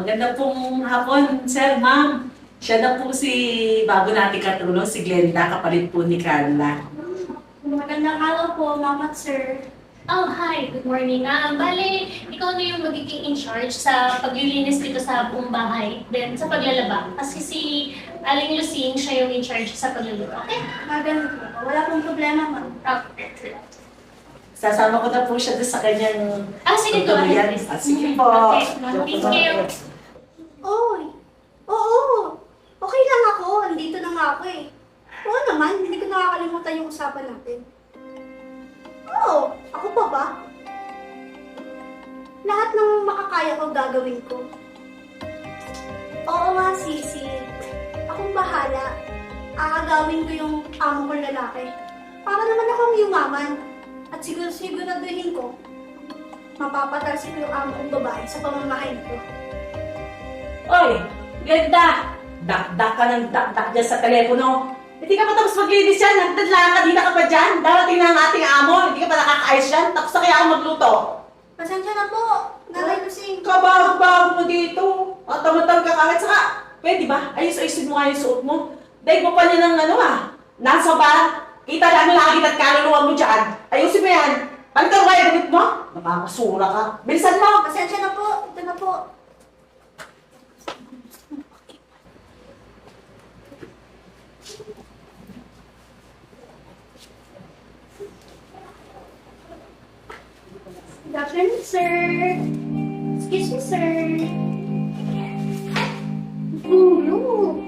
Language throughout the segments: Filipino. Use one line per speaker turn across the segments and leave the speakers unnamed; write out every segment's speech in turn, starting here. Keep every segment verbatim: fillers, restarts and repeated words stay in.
Maganda pong hapon, sir, ma'am. Siya na po si bago nating katulong, si Glenda, kapalit po ni Carla.
Magandang araw po, ma'am at sir.
Oh, hi. Good morning. Ah, bale, ikaw na yung magiging in charge sa paglilinis dito sa buong bahay. Then, sa paglalaba. Kasi si Aling Lucine, siya yung in charge sa paglalaba. Okay?
Maganda po. Wala pong problema, ma'am.
Okay.
Sasama ko na po siya doon sa kanyang
Ah, sige, go
tutuluyan.
ahead.
Ah, sige po.
Okay. Thank you.
Oy! Oo! Okay lang ako. Andito na nga ako eh. Oo naman, hindi ko nakakalimutan yung usapan natin. Oo! Ako pa ba? Lahat ng makakaya ko gagawin ko. Oo nga, Sisi. Akong bahala. Aagawin ko yung amo kong lalaki. Para naman akong yumaman. At siguro siguraduhin ko, mapapatalsin ko yung amo kong babae sa pamamahay ko.
Oy, Glenda! Dakdak ka ng dakdak dyan sa telepono. Hindi ka pa tapos maglinis yan. Nagdadlaan ka, di na ka pa dyan. Darating na ang ating amo. Hindi ka pa nakakaayos yan. Tapos na kaya ako magluto.
Pasensya na po, Nanay Lucing.
Kabago-bago mo dito. At tamatang ka kahit saka. Pwede ba? Ayos-ayosin mo nga yung suot mo. Dahil mo pa niya ng ano ah. Nasa ba? Kita lang lagi at kaluluwa mo dyan. Ayusin mo yan. Palitan mo kaya gamit mo. Nakakasura ka. Bilisan mo.
Pasensya na po, ito na po. Good afternoon, sir. Excuse me, sir. Tulog.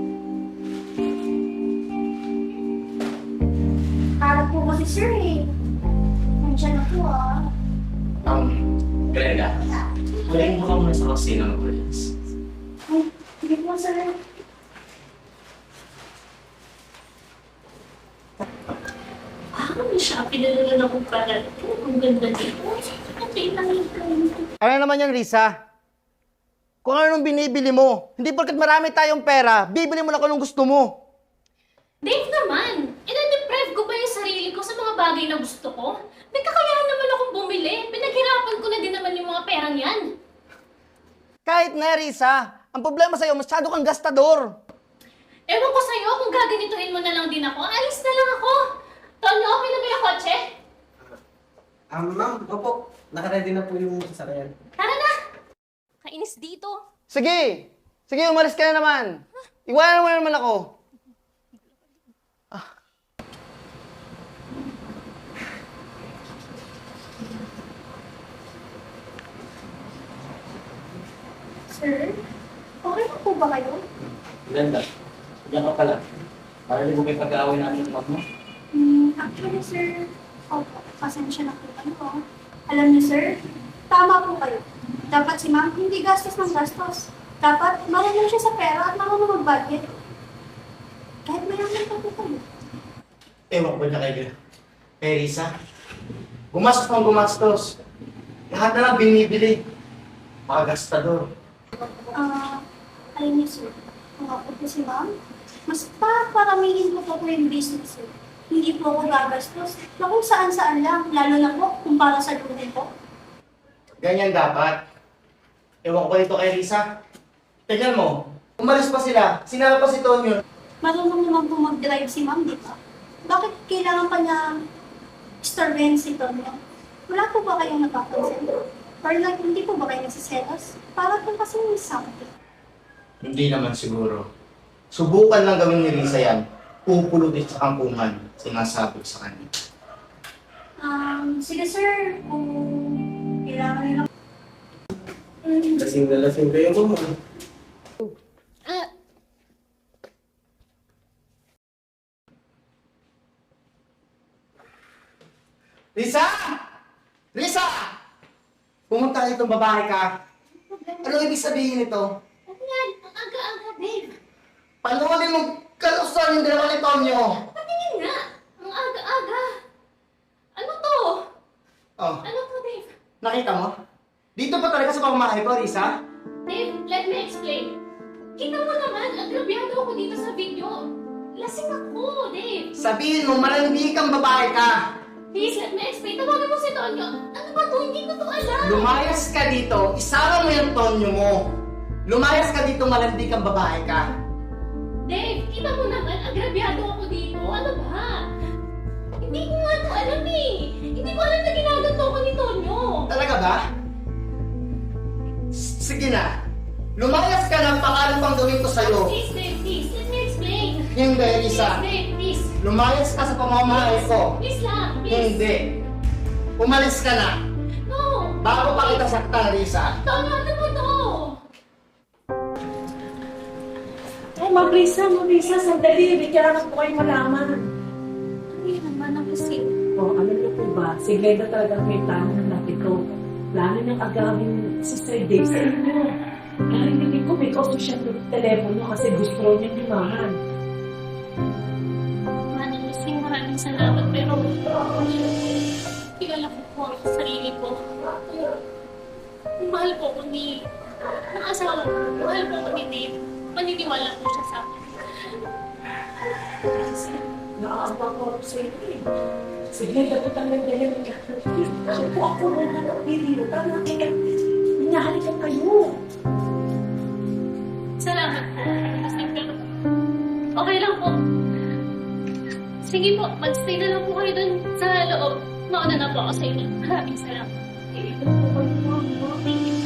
Harap po kasi, sir, eh. Nandiyan na po, ah.
Um, Glenda, huling mo ka muna sa kusina ng Williams.
Ay, sige po, sir.
Ah, siya. Pinalala na kong parang. Ang ganda dito. Okay lang yung
Ano naman yan, Risa? Kung ano nung binibili mo, hindi porkat marami tayong pera, bibili mo na kung anong gusto mo.
Dave naman, ina-deprive ko ba yung sarili ko sa mga bagay na gusto ko? May kakayahan naman akong bumili. Pinaghirapan ko na din naman yung mga perang yan.
Kahit na, Risa, ang problema sa'yo, masyado kang gastador.
Ewan ko sa'yo kung gaganituhin mo na lang din ako. Alis na lang ako. Tonyo, okay na ba yung kotse?
Ah, ma'am, opo. Nakaready na po yung sasakyan.
Tara na! Kainis dito.
Sige! Sige, umalis ka na naman. Iwanan mo na naman ako.
Sir, okay na po ba kayo?
Glenda, diyan ka pala. Para hindi mo may pag-aaway natin ng mo.
Hmm, actually, sir, opo, pasensya na po kayo. ah. Alam niyo, sir, tama po kayo. Dapat si ma'am hindi gastos ng gastos. Dapat marunong siya sa pera at marunong mag-budget. Kahit mayaman pa po kayo.
Ewan ko ba niya kay, kay Risa? Gumastos pang gumastos. Lahat na lang binibili. Mga gastador.
Ah, alam niyo, sir, kung ako po si ma'am, mas paparamihin ko po po yung business, sir. Hindi po ako gagastos na kung saan-saan lang, lalo na po kung para sa luho po.
Ganyan dapat. Ewan ko ba dito kay Risa? Tignan mo, umalis pa sila, sinama pa si Tonyo.
Marunong naman po mag-drive si ma'am, di ba? Bakit kailangan pa niya istorben si Tonyo? Wala po ba kayong napapansin? Or like, hindi po ba kayo nasiselos? Para po kasi may something.
Hindi naman siguro. Subukan lang gawin ni Risa yan. Pupulutin sa kampungan, sinasabi ko sa kanya.
Um, sige sir, kung kailangan nila.
Lasing na lasing kayo, ma'am.
Ah,
Risa! Risa! Pumunta itong babae ka. Anong ibig sabihin nito?
ano yan? Ang aga-aga, Dave.
Panuulin mong kalusan yung dalawa ni Tonyo.
Patingin nga. Ang aga-aga. Ano to?
Oh,
Ano to, Dave?
nakita mo? Dito pa talaga sa pamamahay ko, Risa?
Dave, let me explain. Kita mo naman, agrabyado ako dito sa video. Lasing ako, Dave.
Sabihin mo, malandi kang babae ka.
Please, let me explain. Tawagan mo si Tonyo. Ano ba to? Hindi ko to alam.
Lumayas ka dito, isama mo yung Tonyo mo. Lumayas ka dito, malandi kang babae ka.
Dave, kita mo naman, agrabyado ako dito. Ano ba? Hindi ko nga ito alam eh. Hindi ko alam na ginaganto ko ni Tonyo.
Talaga ba? S- Sige na. Lumayas ka na, pakalan pang gawin ko sa'yo.
Please, Dave, please. Let me explain.
Hindi,
Please,
Risa.
Dave, please.
Lumayas ka sa pamamahay ko.
Please lang, please.
Hindi. Umalis ka na.
No.
Bago pa kita saktan, Risa.
Tonyo, ano mo to?
Ay, Mabrisa, Mabrisa, sandali. May kailangan po kayo malaman.
Ano yun naman ang kasi?
O, alam niyo po ba, si Glenda talagang may plano ng lahat ito. Plano niyang agawin si Sir Dave sa inyo. Narinig ko may kauso siya ng telepono kasi gusto raw niyang limahan.
Manang Lusing, maraming salamat. Pero, kilala ko po ang sarili ko. Mahal po ko ni... ng asawa ko. Mahal po ko ni Dave. Maniniwala po siya sa akin.
Kasi naaamba ko ako sa inyo eh. Si Glenda po talagang dahil ng lahat. Siya po ako nung hanap video. Parang nakikita, hinahalikan kayo.
Salamat po. Lusing, pero okay lang po. Sige po, mag-stay na lang po kayo dun sa loob. Mauna na po ako sa inyo. Maraming salamat.
Eh, ito po kayo, ma'am.
Thank you.